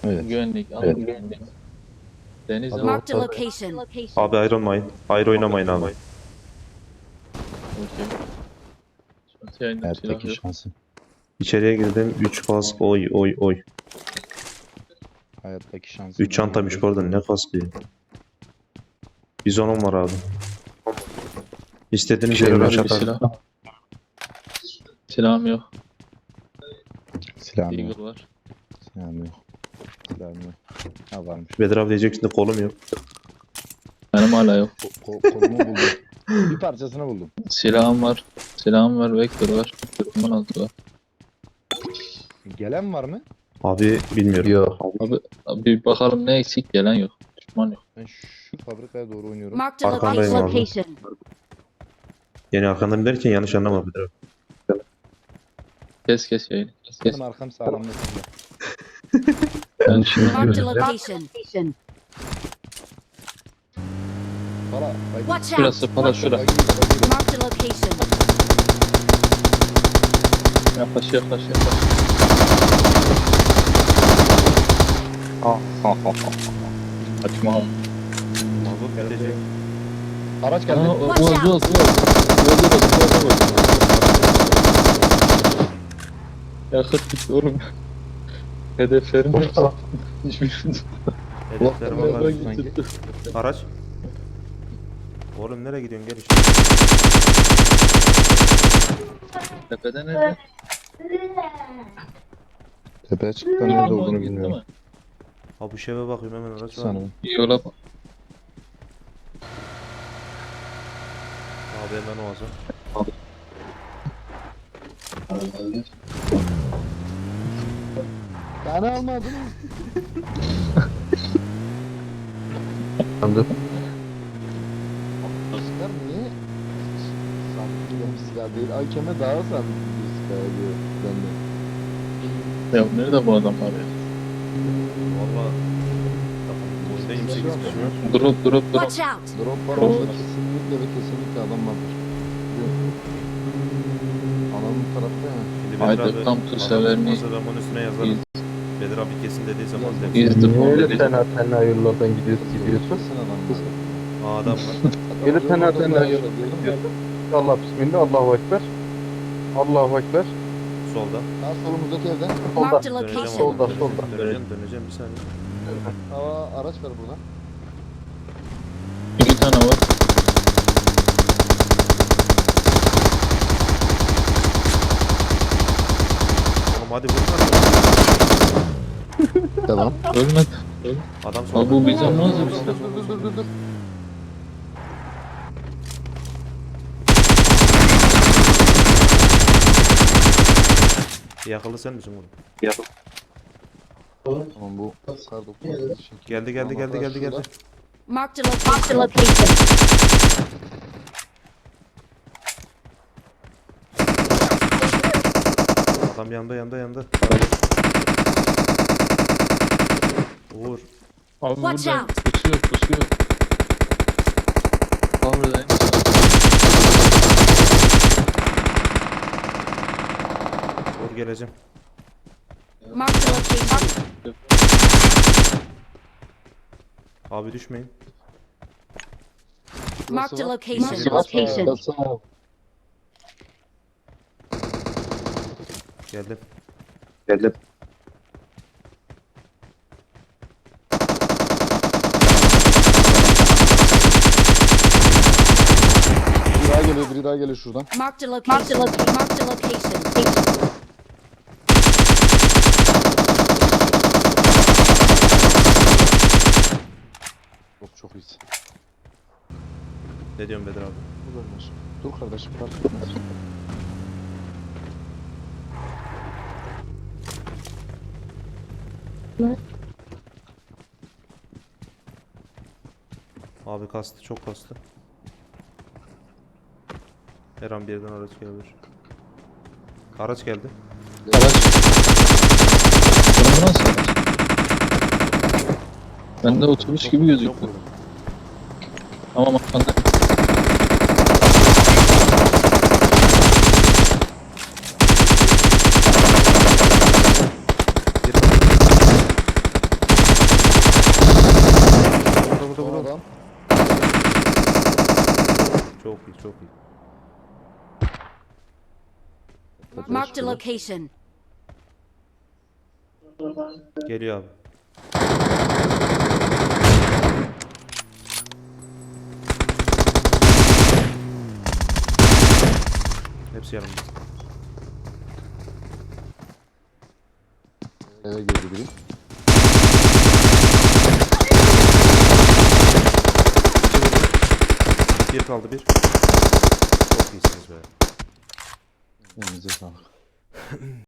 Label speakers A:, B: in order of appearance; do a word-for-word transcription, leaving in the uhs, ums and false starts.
A: Evet.
B: Güvenlik, al
A: Evet.
B: güvenlik. Deniz
A: Hadi
B: ama
C: Marked a
A: orta.
C: location.
D: Abi ayrılmayın. Ayrı oynamayın abi.
B: okey. Şurası yayında silah
A: Hayattaki
B: yok.
A: şansı.
D: İçeriye girdim. üç kask. Oy oy oy.
A: Hayattaki şansı.
D: üç çantaymış bu arada. Ne kaskı ya. Bizonum var abi. İstediğiniz
B: Şey
D: yere
B: var
D: rush
B: bir
D: atarım.
B: silah. Silahım yok.
A: Silahım yok.
B: Eagle var.
A: Silahım yok. Silahım yok. Ha varmış.
D: Bedir abi diyeceksin de kolum yok.
B: Benim hala yok.
A: Ko ko kolumu buldum. Bir parçasını buldum.
B: Silahım var. Silahım var. Vektör var. kırk altı var.
A: Gelen var mı?
D: Abi bilmiyorum.
B: Yok. Abi, abi bir bakalım ne eksik, gelen yok. Düşman yok.
A: Ben şu fabrikaya doğru oynuyorum.
C: Marked a
D: Arkandayım abi.
C: location.
D: Yani arkandan derken yanlış anlama Bedir abi.
B: Kes kes yayını. Kes kes.
A: Benim arkam sağlamlasın da.
B: Ben şimdi
C: Marked a location.
A: Para. Haydi.
C: Watch out.
B: şurası falan şura.
A: Haydi, haydi.
C: Marked a location.
B: Yaklaş yaklaş yaklaş. Ha ha ha ha. Açma.
D: Mazot gelecek.
A: Araç geldi.
B: Aa, o
C: Watch
B: o
C: out.
B: o o o Yakıt gitti oğlum. Hedeflerim yok. Hiçbirini
D: Hedefler var
B: tutmadan
D: sanki.
B: gitti.
D: Araç. Oğlum nereye gidiyorsun gel işte.
B: Tepede nerede?
A: Tepeye çıktıktan nerede
B: Tamam,
A: olduğunu
B: gitti
A: bilmiyorum.
B: mi?
D: Ha bu şeve bakıyorum hemen araç var.
A: Sanırım.
B: İyi yola bak.
D: Abi hemen o azam.
A: Beni almadın.
B: Anladım.
A: Silah niye? Sanki benim silah değil. Hakeme daha sanki bir silah diyor benden.
B: Ya nerede bu adam var ya?
D: Valla. Oyunda yirmi sekiz kişi var.
B: Drop drop drop.
C: Watch out.
A: Drop var orada kesinlikle ve kesinlikle adam vardır. Adamın tarafta ya.
D: Şimdi
B: Haydi,
D: Bedir abi
B: tam tür sever mi?
D: olmasa ben onun üstüne yazarım. Bedir abi kesin dediği zaman derim.
B: Is the
E: Niye öyle
B: problem.
E: tenha tenha yollardan gidiyorsun gidiyorsun?
A: Kesin adam var.
D: Aa adam var.
E: Öyle
A: Adam
E: tenha
A: orada
E: tenha
A: var,
E: yollardan
A: diyorum ya.
E: gidiyorsun. Allah bismillah, Allahu ekber. Allahu ekber.
D: Solda.
A: Ha solumuzdaki evden.
E: Solda.
C: Marked a
D: Döneceğim
C: location.
E: Solda,
D: abi.
E: solda.
D: Döneceğim döneceğim bir saniye.
A: Hava araç var burada.
B: İki tane var.
D: Oğlum hadi vur lan.
A: Tamam.
B: Ölmedi.
D: Adam
B: Abi
D: solda.
B: bu bize nasıl bir
A: Dur
B: silah?
A: dur dur dur dur.
D: Yakalı sen misin oğlum?
A: Tamam bu kar dokuz.
D: Geldi geldi geldi geldi geldi.
C: Marked a location.
D: Adam yanda yanda yanda. Vur.
B: Abi
C: Watch
B: burada
C: out.
B: pusuyor pusuyor. Power'dayım.
D: Vur geleceğim.
C: Marked a location.
D: Abi düşmeyin.
C: Marked a
A: var.
C: location.
A: Location.
D: Geldim. Geldim.
A: Biri daha geliyor, biri daha geliyor şuradan.
C: Marked a location. Marked a location.
A: Çok çok iyisin.
D: Ne diyorsun Bedir abi?
A: Dur kardeşim. Dur kardeşim fark etmez.
D: Abi kastı çok kastı. Her an bir yerden araç gelebilir. Araç geldi.
B: Araç. Bu nasıl araç? Bende otobüs gibi gözüküyor.
D: Çok vurdum.
B: Tamam arkanda.
D: Çok iyi.
C: Marked a location.
D: Geliyor abi. Hepsi yanımda.
A: Eve girdi biri.
D: Bir kaldı bir. Çok iyisiniz be.
A: Elinize sağlık.